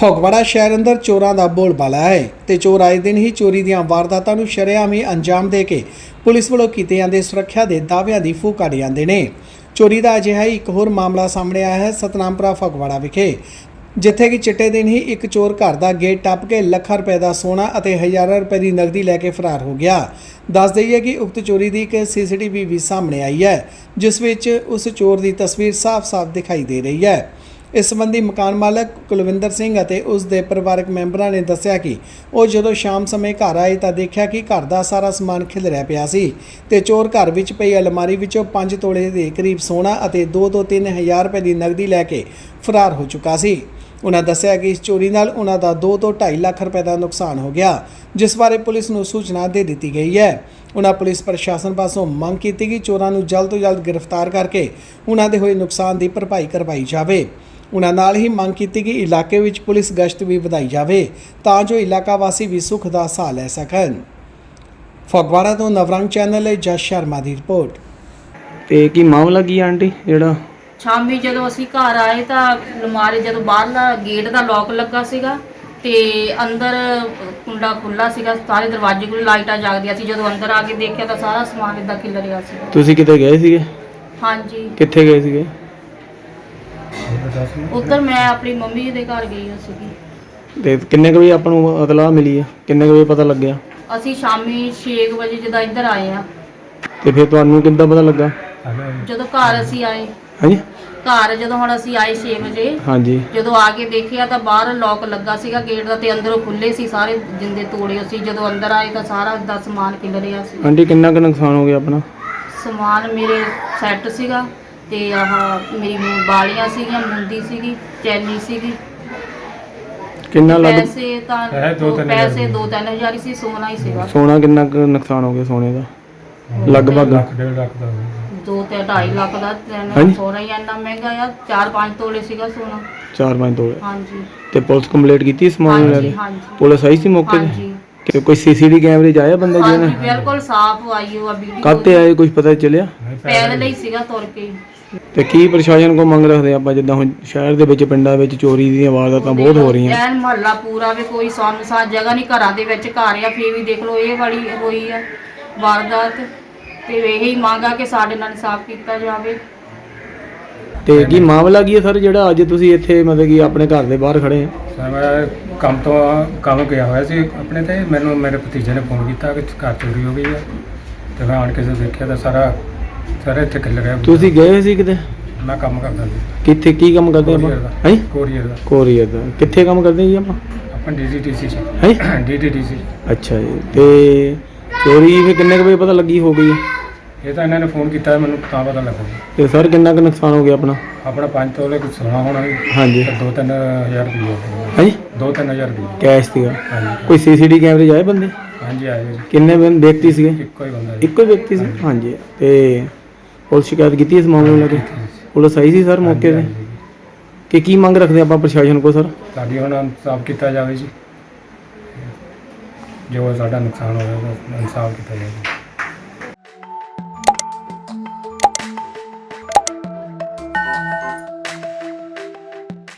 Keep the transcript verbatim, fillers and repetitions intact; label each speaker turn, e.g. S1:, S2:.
S1: ਫਗਵਾੜਾ ਸ਼ਹਿਰ ਅੰਦਰ ਚੋਰਾਂ ਦਾ ਬੋਲਬਾਲਾ ਹੈ ਤੇ ਚੋਰ ਆਏ ਦਿਨ ਹੀ ਚੋਰੀ ਦੀਆਂ ਵਾਰਦਾਤਾਂ ਨੂੰ ਸ਼ਰੇਆਮ ਹੀ ਅੰਜਾਮ ਦੇ ਕੇ ਪੁਲਿਸ ਵੱਲੋਂ ਕੀਤੇ ਜਾਂਦੇ ਸੁਰੱਖਿਆ ਦੇ ਦਾਅਵਿਆਂ ਦੀ ਫੂਕ ਕੱਢ ਜਾਂਦੇ ਨੇ। ਚੋਰੀ ਦਾ ਅਜਿਹਾ ਹੀ ਇੱਕ ਹੋਰ ਮਾਮਲਾ ਸਾਹਮਣੇ ਆਇਆ ਹੈ ਸਤਨਾਮਪੁਰਾ ਫਗਵਾੜਾ ਵਿਖੇ, ਜਿੱਥੇ ਕਿ ਚਿੱਟੇ ਦਿਨ ਹੀ ਇੱਕ ਚੋਰ ਘਰ ਦਾ ਗੇਟ ਟੱਪ ਕੇ ਲੱਖਾਂ ਰੁਪਏ ਦਾ ਸੋਨਾ ਅਤੇ ਹਜ਼ਾਰਾਂ ਰੁਪਏ ਦੀ ਨਕਦੀ ਲੈ ਕੇ ਫਰਾਰ ਹੋ ਗਿਆ। ਦੱਸ ਦਈਏ ਕਿ ਉਕਤ ਚੋਰੀ ਦੀ ਇੱਕ ਸੀਸੀਟੀਵੀ ਵੀ ਸਾਹਮਣੇ ਆਈ ਹੈ, ਜਿਸ ਵਿੱਚ ਉਸ ਚੋਰ ਦੀ ਤਸਵੀਰ ਸਾਫ਼-ਸਾਫ਼ ਦਿਖਾਈ ਦੇ ਰਹੀ ਹੈ। ਇਸ ਸੰਬੰਧੀ ਮਕਾਨ ਮਾਲਕ ਕੁਲਵਿੰਦਰ ਸਿੰਘ ਅਤੇ ਉਸ ਦੇ ਪਰਿਵਾਰਕ ਮੈਂਬਰਾਂ ਨੇ ਦੱਸਿਆ ਕਿ ਉਹ ਜਦੋਂ ਸ਼ਾਮ ਸਮੇਂ ਘਰ ਆਏ ਤਾਂ ਦੇਖਿਆ ਕਿ ਘਰ ਦਾ ਸਾਰਾ ਸਮਾਨ ਖਿਲਰਿਆ ਪਿਆ ਸੀ ਤੇ ਚੋਰ ਘਰ ਵਿੱਚ ਪਈ ਅਲਮਾਰੀ ਵਿੱਚੋਂ ਪੰਜ ਤੋਲੇ ਦੇ ਕਰੀਬ ਸੋਨਾ ਅਤੇ ਦੋ ਤੋਂ ਤਿੰਨ ਹਜ਼ਾਰ ਰੁਪਏ ਦੀ ਨਕਦੀ ਲੈ ਕੇ ਫਰਾਰ ਹੋ ਚੁੱਕਾ ਸੀ। ਉਹਨਾਂ ਦੱਸਿਆ ਕਿ ਇਸ ਚੋਰੀ ਨਾਲ ਉਹਨਾਂ ਦਾ ਦੋ ਤੋਂ ਢਾਈ ਲੱਖ ਰੁਪਏ ਦਾ ਨੁਕਸਾਨ ਹੋ ਗਿਆ, ਜਿਸ ਬਾਰੇ ਪੁਲਿਸ ਨੂੰ ਸੂਚਨਾ ਦੇ ਦਿੱਤੀ ਗਈ ਹੈ। ਉਹਨਾਂ ਪੁਲਿਸ ਪ੍ਰਸ਼ਾਸਨ ਪਾਸੋਂ ਮੰਗ ਕੀਤੀ ਕਿ ਚੋਰਾਂ ਨੂੰ ਜਲਦ ਤੋਂ ਜਲਦ ਗ੍ਰਿਫਤਾਰ ਕਰਕੇ ਉਹਨਾਂ ਦੇ ਹੋਏ ਨੁਕਸਾਨ ਦੀ ਭਰਪਾਈ ਕਰਵਾਈ ਜਾਵੇ। ਉਹਨਾਂ ਨਾਲ ਹੀ ਮੰਗ ਕੀਤੀ ਕਿ ਇਲਾਕੇ ਵਿੱਚ ਪੁਲਿਸ ਗਸ਼ਤ ਵੀ ਵਧਾਈ ਜਾਵੇ ਤਾਂ ਜੋ ਇਲਾਕਾ ਵਾਸੀ ਵੀ ਸੁੱਖ ਦਾ ਸਾਹ ਲੈ ਸਕਣ। ਫਗਵਾੜਾ ਤੋਂ ਨਵਰੰਗ ਚੈਨਲ ਲਈ ਜਸ ਸ਼ਰਮਾ ਦੀ ਰਿਪੋਰਟ।
S2: ਤੇ ਕੀ ਮਾਮਲਾ ਕੀ ਆਂਟੀ? ਜਿਹੜਾ
S3: ਸ਼ਾਮੀ ਜਦੋਂ ਅਸੀਂ ਘਰ ਆਏ ਤਾਂ ਅਲਮਾਰੀ ਜਦੋਂ ਬਾਹਰਲਾ ਗੇਟ ਦਾ ਲੋਕ ਲੱਗਾ ਸੀਗਾ ਤੇ ਅੰਦਰ ਕੁੰਡਾ ਖੁੱਲਾ ਸੀਗਾ, ਸਾਰੇ ਦਰਵਾਜ਼ੇ ਕੋਲ ਲਾਈਟਾਂ ਜਗਦੀਆਂ ਸੀ। ਜਦੋਂ ਅੰਦਰ ਆ ਕੇ ਦੇਖਿਆ ਤਾਂ ਸਾਰਾ ਸਮਾਨ ਇੱਦਾਂ ਖਿਲ ਰਿਹਾ ਸੀ।
S2: ਤੁਸੀਂ ਕਿਤੇ ਗਏ ਸੀਗੇ?
S3: ਹਾਂਜੀ।
S2: ਕਿੱਥੇ ਗਏ ਸੀਗੇ?
S3: ਉੱਧਰ ਮੈਂ ਆਪਣੀ ਮੰਮੀ ਦੇ ਘਰ ਗਈ ਹੋਈ ਸੀਗੀ।
S2: ਤੇ ਕਿੰਨੇ ਕੁ ਵਜੇ ਆਪਾਂ ਨੂੰ ਇਤਲਾਹ ਮਿਲੀ ਹੈ? ਕਿੰਨੇ ਕੁ ਵਜੇ ਪਤਾ ਲੱਗਿਆ?
S3: ਅਸੀਂ ਸ਼ਾਮੀ ਛੇ ਵਜੇ ਜਦੋਂ ਇੱਧਰ ਆਏ ਆ।
S2: ਤੇ ਫਿਰ ਤੁਹਾਨੂੰ ਕਿੱਦਾਂ ਪਤਾ ਲੱਗਾ?
S3: ਜਦੋਂ ਘਰ ਅਸੀਂ ਆਏ
S2: ਹਾਂਜੀ
S3: ਘਰ ਜਦੋਂ ਹੁਣ ਅਸੀਂ ਆਏ ਛੇ ਵਜੇ,
S2: ਹਾਂਜੀ
S3: ਜਦੋਂ ਆ ਕੇ ਦੇਖਿਆ ਤਾਂ ਬਾਹਰ ਲੋਕ ਲੱਗਾ ਸੀਗਾ ਗੇਟ ਦਾ ਤੇ ਅੰਦਰੋਂ ਖੁੱਲੇ ਸੀ, ਸਾਰੇ ਜਿੰਦੇ ਤੋੜੇ ਸੀ। ਜਦੋਂ ਅੰਦਰ ਆਏ ਤਾਂ ਸਾਰਾ ਦਾ ਸਮਾਨ ਖਿਲ ਰਿਹਾ ਸੀ।
S2: ਆਂਟੀ ਕਿੰਨਾ ਕੁ ਨੁਕਸਾਨ ਹੋ ਗਿਆ ਆਪਣਾ?
S3: ਸਮਾਨ ਮੇਰੇ ਸੈੱਟ ਸੀਗਾ ਤੇ ਆਹ ਮੇਰੀ ਬਾਲੀਆਂ ਸੀਗੀਆਂ, ਮੁੰਦੀ ਸੀਗੀ, ਚੈਨੀ ਸੀਗੀ।
S2: ਕਿੰਨਾ ਲੱਗ
S3: ਪੈਸੇ ਤਾਂ ਪੈਸੇ ਦੋ ਤਿੰਨ ਹਜ਼ਾਰ ਹੀ ਸੀ, ਸੋਨਾ ਹੀ ਸੀਗਾ।
S2: ਸੋਨਾ ਕਿੰਨਾ ਕੁ ਨੁਕਸਾਨ ਹੋ ਗਿਆ ਸੋਨੇ ਦਾ? ਲਗਭਗ
S4: ਡੇਢ ਲੱਖ ਦਾ
S3: ਦੋ ਤੇ ਢਾਈ ਲੱਖ ਦਾ।
S2: ਹਾਂਜੀ।
S3: ਸੋਨਾ ਹੀ ਇੰਨਾ ਮਹਿੰਗਾ ਆ, ਚਾਰ ਪੰਜ ਤੋਲੇ ਸੀਗਾ ਸੋਨਾ।
S2: ਚਾਰ ਪੰਜ ਤੋਲੇ।
S3: ਹਾਂਜੀ
S2: ਤੇ ਪੁਲਿਸ ਕੰਪਲੀਟ ਕੀਤੀ ਸਮਾਨ ਲੈ
S3: ਹਾਂਜੀ
S2: ਕੇ?
S3: ਹਾਂਜੀ
S2: ਪੁਲਿਸ ਆਈ ਸੀ ਮੌਕੇ ਤੇ?
S3: ਹਾਂਜੀ
S2: ਕਿ ਕੋਈ ਸੀਸੀਟੀਵੀ ਕੈਮਰੇ 'ਚ ਆਇਆ ਬੰਦਾ ਜਿਹਨੇ?
S3: ਹਾਂਜੀ ਬਿਲਕੁਲ ਸਾਫ਼ ਆਈ ਉਹ ਵੀਡੀਓ।
S2: ਕਾਹਤੇ ਆਏ ਕੁਝ ਪਤਾ ਚੱਲਿਆ?
S3: ਪੈਦਲ ਹੀ ਸੀਗਾ, ਤੁਰ ਕੇ।
S2: ਤੇ ਕੀ ਪ੍ਰਸ਼ਾਸਨ ਕੋ ਮੰਗ ਰੱਖਦੇ ਆਪਾਂ, ਜਿੱਦਾਂ ਹੁਣ ਸ਼ਹਿਰ ਦੇ ਵਿੱਚ ਪਿੰਡਾਂ ਵਿੱਚ ਚੋਰੀ ਦੀਆਂ ਵਾਰਦਾਤਾਂ ਬਹੁਤ ਹੋ ਰਹੀਆਂ?
S3: ਐਨ ਮਹੱਲਾ ਪੂਰਾ ਵੀ ਕੋਈ ਸੁੰਨਸਾਨ ਜਗ੍ਹਾ ਨਹੀਂ, ਘਰਾਂ ਦੇ ਵਿੱਚ ਘਰ ਆ, ਫੇਰ ਵੀ ਦੇਖ ਲਓ ਇਹ ਵਾਲੀ ਹੋਈ ਆ ਵਾਰਦਾਤ। ਤੇ ਇਹੀ ਮੰਗ ਆ ਕਿ ਸਾਡੇ ਨਾਲ ਇਨਸਾਫ ਕੀਤਾ ਜਾਵੇ।
S2: ਤੇ ਕੀ ਮਾਮਲਾ ਕੀ ਹੈ ਸਰ, ਜਿਹੜਾ ਅੱਜ ਤੁਸੀਂ ਇੱਥੇ ਮਤਲਬ ਕਿ ਆਪਣੇ ਘਰ ਦੇ ਬਾਹਰ ਖੜੇ ਆ?
S4: ਸਰ ਮੈਂ ਕੰਮ ਤੋਂ ਕੰਮ ਗਿਆ ਹੋਇਆ ਸੀ ਆਪਣੇ, ਤੇ ਮੈਨੂੰ ਮੇਰੇ ਭਤੀਜੇ ਨੇ ਫੋਨ ਕੀਤਾ ਕਿ ਘਰ ਚੋਰੀ ਹੋ ਗਈ ਹੈ। ਤੇ ਮੈਂ ਆਣ ਕੇ ਜਦੋਂ ਦੇਖਿਆ ਤਾਂ ਸਾਰਾ ਸਾਰਾ ਇੱਥੇ ਖਿਲ ਰਿਹਾ।
S2: ਤੁਸੀਂ ਗਏ ਸੀ ਕਿਤੇ?
S4: ਮੈਂ ਕੰਮ ਕਰਦਾ ਸੀ।
S2: ਕਿੱਥੇ ਕੀ ਕੰਮ ਕਰਦੇ ਆਪਾਂ? ਹੈ
S4: ਕੋਰੀਅਰ ਦਾ।
S2: ਕੋਰੀਅਰ ਦਾ ਕਿੱਥੇ ਕੰਮ ਕਰਦੇ ਜੀ ਆਪਾਂ?
S4: ਆਪਾਂ ਡੀਡੀਟੀਸੀ ਚ।
S2: ਹੈ
S4: ਡੀਡੀਟੀਸੀ।
S2: ਅੱਛਾ ਜੀ। ਤੇ ਚੋਰੀ ਫਿਰ ਕਿੰਨੇ ਕੁ ਵਜੇ ਪਤਾ ਲੱਗੀ ਹੋ ਗਈ?
S4: ਇਹ ਤਾਂ ਇਹਨਾਂ ਨੇ ਫੋਨ ਕੀਤਾ ਮੈਨੂੰ ਤਾਂ ਪਤਾ ਲੱਗਾ।
S2: ਤੇ ਸਰ ਕਿੰਨਾ ਕੁ ਨੁਕਸਾਨ ਹੋ ਗਿਆ ਆਪਣਾ?
S4: ਆਪਣਾ ਪੰਜ ਤੋਲੇ ਕੁਝ ਸੋਨਾ ਹੋਣਾ ਸੀ।
S2: ਹਾਂਜੀ।
S4: ਤੇ ਦੋ ਤਿੰਨ ਹਜ਼ਾਰ ਰੁਪਏ।
S2: ਹਾਂਜੀ।
S4: ਦੋ ਤਿੰਨ ਹਜ਼ਾਰ ਰੁਪਏ
S2: ਕੈਸ਼ ਸੀਗਾ?
S4: ਹਾਂਜੀ।
S2: ਕੋਈ ਸੀਸੀਟੀਵੀ ਕੈਮਰੇ 'ਚ ਆਏ ਬੰਦੇ?
S4: ਹਾਂਜੀ ਆਏ ਜੀ।
S2: ਕਿੰਨੇ ਬੰਦੇ ਵਿਅਕਤੀ ਸੀਗੇ?
S4: ਇੱਕੋ ਹੀ ਬੰਦਾ ਜੀ।
S2: ਇੱਕੋ ਹੀ ਵਿਅਕਤੀ ਸੀ? ਹਾਂਜੀ। ਤੇ ਪੁਲਿਸ ਸ਼ਿਕਾਇਤ ਕੀਤੀ ਇਸ ਮਾਮਲੇ ਨੂੰ ਲੈ ਕੇ? ਪੁਲਿਸ ਆਈ ਸੀ ਸਰ ਮੌਕੇ ਤੇ? ਕਿ ਕੀ ਮੰਗ ਰੱਖਦੇ ਆਪਾਂ ਪ੍ਰਸ਼ਾਸਨ ਕੋਲ ਸਰ?
S4: ਸਾਡੀ ਹੁਣ ਇਨਸਾਫ ਕੀਤਾ ਜਾਵੇ ਜੀ, ਜੋ ਸਾਡਾ ਨੁਕਸਾਨ ਹੋਇਆ ਉਹਦਾ ਇਨਸਾਫ ਕੀਤਾ ਜਾਵੇ।